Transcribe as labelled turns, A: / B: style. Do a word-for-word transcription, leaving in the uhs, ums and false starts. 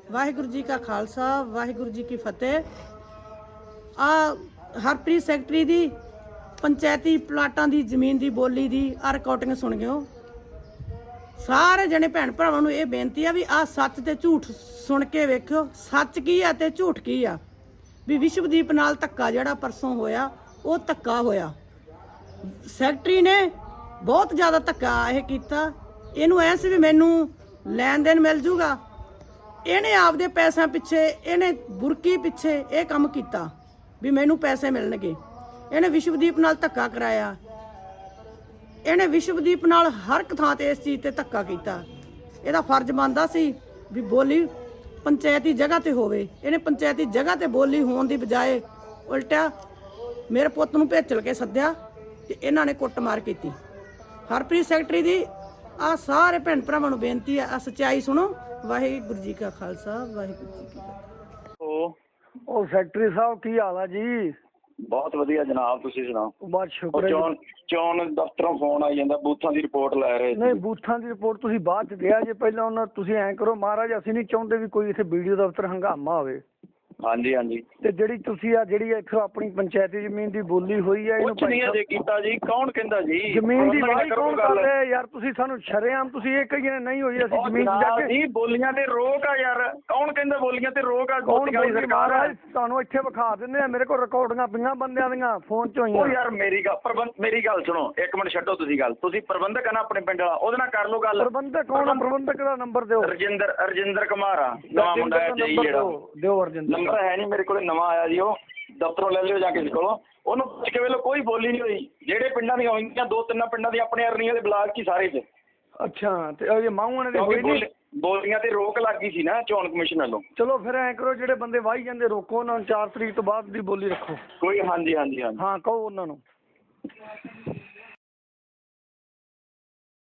A: ਵਾਹਿਗੁਰੂ ਜੀ ਕਾ ਖਾਲਸਾ ਵਾਹਿਗੁਰੂ ਜੀ ਕੀ ਫਤਿਹ। ਆ ਹਰਪ੍ਰੀਤ ਸੈਕਟਰੀ ਦੀ ਪੰਚਾਇਤੀ ਪਲਾਟਾਂ ਦੀ ਜ਼ਮੀਨ ਦੀ ਬੋਲੀ ਦੀ ਆ ਰਿਕਾਰਡਿੰਗ ਸੁਣ ਗਿਓ। ਸਾਰੇ ਜਣੇ ਭੈਣ ਭਰਾਵਾਂ ਨੂੰ ਇਹ ਬੇਨਤੀ ਆ ਵੀ ਆ ਸੱਚ ਤੇ ਝੂਠ ਸੁਣ ਕੇ ਵੇਖਿਓ, ਸੱਚ ਕੀ ਆ ਤੇ ਝੂਠ ਕੀ ਆ। ਵੀ ਵਿਸ਼ਵਦੀਪ ਨਾਲ ਧੱਕਾ ਜਿਹੜਾ ਪਰਸੋਂ ਹੋਇਆ ਉਹ ਧੱਕਾ ਹੋਇਆ। ਸੈਕਟਰੀ ਨੇ ਬਹੁਤ ਜ਼ਿਆਦਾ ਧੱਕਾ ਇਹ ਕੀਤਾ। ਇਹਨੂੰ ਐ ਸੀ ਵੀ ਮੈਨੂੰ ਲੈਣ ਦੇਣ ਮਿਲ ਜੂਗਾ। ਇਹਨੇ ਆਪਦੇ ਪੈਸਿਆਂ ਪਿੱਛੇ, ਇਹਨੇ ਬੁਰਕੀ ਪਿੱਛੇ ਇਹ ਕੰਮ ਕੀਤਾ ਵੀ ਮੈਨੂੰ ਪੈਸੇ ਮਿਲਣਗੇ। ਇਹਨੇ ਵਿਸ਼ਵਦੀਪ ਨਾਲ ਧੱਕਾ ਕਰਾਇਆ। ਇਹਨੇ ਵਿਸ਼ਵਦੀਪ ਨਾਲ ਹਰ ਇੱਕ ਥਾਂ ਤੇ ਇਸ ਚੀਜ਼ ਤੇ ਧੱਕਾ ਕੀਤਾ। ਇਹਦਾ ਫਰਜ਼ ਬਣਦਾ ਸੀ ਵੀ ਬੋਲੀ ਪੰਚਾਇਤੀ ਜਗ੍ਹਾ ਤੇ ਹੋਵੇ। ਇਹਨੇ ਪੰਚਾਇਤੀ ਜਗ੍ਹਾ ਤੇ ਬੋਲੀ ਹੋਣ ਦੀ ਬਜਾਏ ਉਲਟਾ ਮੇਰੇ ਪੁੱਤ ਨੂੰ ਭੇਜਲ ਕੇ ਸੱਦਿਆ ਤੇ ਇਹਨਾਂ ਨੇ ਕੁੱਟਮਾਰ ਕੀਤੀ। ਹਰਪ੍ਰੀਤ ਸੈਕਟਰੀ ਦੀ ਆ ਸਾਰੇ ਭੈਣ ਭਰਾਵਾਂ ਨੂੰ ਬੇਨਤੀ ਆ, ਆ ਸੱਚਾਈ ਸੁਣੋ। ਵਾਹਿਗੁਰੂ ਜੀ ਕਾ ਖਾਲਸਾ ਵਾਹਿਗੁਰੂ ਜੀ ਕੀ ਫਤਿਹ।
B: ਉਹ
C: ਉਹ ਸੈਕਟਰੀ ਸਾਹਿਬ ਕੀ ਹਾਲ ਆ ਜੀ?
B: ਬਹੁਤ ਵਧੀਆ ਜਨਾਬ, ਤੁਸੀਂ ਸੁਣਾਓ?
C: ਬਹੁਤ ਸ਼ੁਕਰ ਹੈ।
B: ਚੋਣ ਚੋਣ ਦਫ਼ਤਰੋਂ ਫੋਨ ਆਈ ਜਾਂਦਾ, ਬੂਥਾਂ ਦੀ ਰਿਪੋਰਟ ਲੈ ਰਹੇ
C: ਨਹੀਂ, ਬੂਥਾਂ ਦੀ ਰਿਪੋਰਟ ਤੁਸੀਂ ਬਾਅਦ ਚ ਦਿਆ ਜੇ, ਪਹਿਲਾਂ ਉਹਨਾਂ ਤੁਸੀਂ ਐਂ ਕਰੋ ਮਹਾਰਾਜ, ਅਸੀਂ ਨਹੀਂ ਚਾਹੁੰਦੇ ਵੀ ਕੋਈ ਇੱਥੇ ਵੀਡੀਓ ਦਫ਼ਤਰ ਹੰਗਾਮਾ ਹੋਵੇ।
B: ਹਾਂਜੀ ਹਾਂਜੀ,
C: ਤੇ ਜਿਹੜੀ ਤੁਸੀਂ ਆ ਜਿਹੜੀ ਇੱਥੋਂ ਆਪਣੀ ਪੰਚਾਇਤੀ ਜ਼ਮੀਨ ਦੀ ਬੋਲੀ ਹੋਈ ਹੈ,
B: ਕੁਛ ਨਹੀਂ ਅਜੇ ਕੀਤਾ ਜੀ। ਕੌਣ ਕਹਿੰਦਾ ਜੀ
C: ਜ਼ਮੀਨ ਦੀ ਵਾਹੀ
B: ਕਰੋ
C: ਕੌਣ ਕਰ
B: ਗੱਲ।
C: ਰਿਹਾ ਯਾਰ? ਤੁਸੀਂ ਸਾਨੂੰ ਸ਼ਰੇਆਮ ਤੁਸੀਂ ਇਹ ਕਹੀਏ ਨਹੀਂ ਹੋਈ, ਅਸੀਂ
B: ਉਹ
C: ਜ਼ਮੀਨ ਚ ਜਾ
B: ਜਨਾਬ
C: ਕੇ
B: ਜੀ ਬੋਲੀਆਂ ਤੇ ਰੋਕ ਆ ਯਾਰ। ਕੌਣ ਕਹਿੰਦਾ ਬੋਲੀਆਂ ਤੇ ਰੋਕ ਆ?
C: ਕੌਣ
B: ਗੋਤੀਆਂ ਵਾਲੀ
C: ਬੋਲੀ
B: ਸਰਕਾਰ ਆ।
C: ਮਹਾਰਾਜ ਤੁਹਾਨੂੰ ਇੱਥੇ ਵਿਖਾ ਦਿੰਦੇ ਆ, ਮੇਰੇ ਕੋਲ ਰਿਕਾਰਡਿੰਗਾਂ ਪਈਆਂ ਬੰਦਿਆਂ ਦੀਆਂ ਫੋਨ ਚ
B: ਉਹ
C: ਹੋਈਆਂ।
B: ਯਾਰ ਮੇਰੀ ਗੱਲ ਪ੍ਰਬੰਧ ਮੇਰੀ ਗੱਲ ਸੁਣੋ ਇੱਕ ਮਿੰਟ, ਛੱਡੋ ਤੁਸੀਂ ਗੱਲ। ਤੁਸੀਂ ਪ੍ਰਬੰਧਕ ਆ ਨਾ ਆਪਣੇ ਪਿੰਡ ਵਾਲਾ, ਉਹਦੇ ਨਾਲ ਕਰ ਲਓ ਗੱਲ।
C: ਪ੍ਰਬੰਧਕ ਕੌਣ ਆ? ਪ੍ਰਬੰਧਕ ਦਾ ਨੰਬਰ ਦਿਓ।
B: ਰਜਿੰਦਰ ਰਜਿੰਦਰ ਕੁਮਾਰ ਆ, ਨਵਾਂ ਮੁੰਡਾ ਹੈ ਜੀ ਜਿਹੜਾ।
C: ਦਿਓ ਰਜਿੰਦਰ।
B: ਨੰਬਰ ਹੈ ਨਹੀਂ ਮੇਰੇ ਕੋਲ, ਨਵਾਂ ਆਇਆ ਜੀ। ਉਹ ਦਫ਼ਤਰੋਂ ਲੈ ਲਿਓ ਜਾ ਕੇ ਕੋਲੋਂ, ਉਹਨੂੰ ਪੁੱਛ ਕੇ ਵੇਲੋ। ਕੋਈ ਬੋਲੀ ਨਹੀਂ ਹੋਈ। ਜਿਹੜੇ ਪਿੰਡਾਂ ਦੀਆਂ ਹੋਈਆਂ ਦੋ ਤਿੰਨ ਪਿੰਡਾਂ ਦੀ ਆਪਣੇ ਅਰਨੀਆਂ ਦੇ ਬਲਾਕ ਕੀ ਸਾਰੇ ਚ।
C: ਅੱਛਾ, ਤੇ ਉਹ ਮਾਹੂਆਂ ਦੇ ਹੋਈ ਨਹੀਂ?
B: ਬੋਲੀਆਂ ਤੇ ਰੋਕ ਲੱਗ ਗਈ ਸੀ ਨਾ ਚੋਣ ਕਮਿਸ਼ਨ ਵੱਲੋਂ।
C: ਚਲੋ ਫਿਰ ਐਂ ਕਰੋ, ਜਿਹੜੇ ਬੰਦੇ ਵਾਹੀ ਜਾਂਦੇ ਰੋਕੋ ਉਹਨਾਂ ਨੂੰ, ਚਾਰ ਤਰੀਕ ਤੋਂ ਬਾਅਦ ਦੀ ਬੋਲੀ ਰੱਖੋ।
B: ਕੋਈ ਹਾਂਜੀ ਹਾਂਜੀ ਹਾਂਜੀ
C: ਹਾਂ ਕਹੋ ਉਹਨਾਂ ਨੂੰ।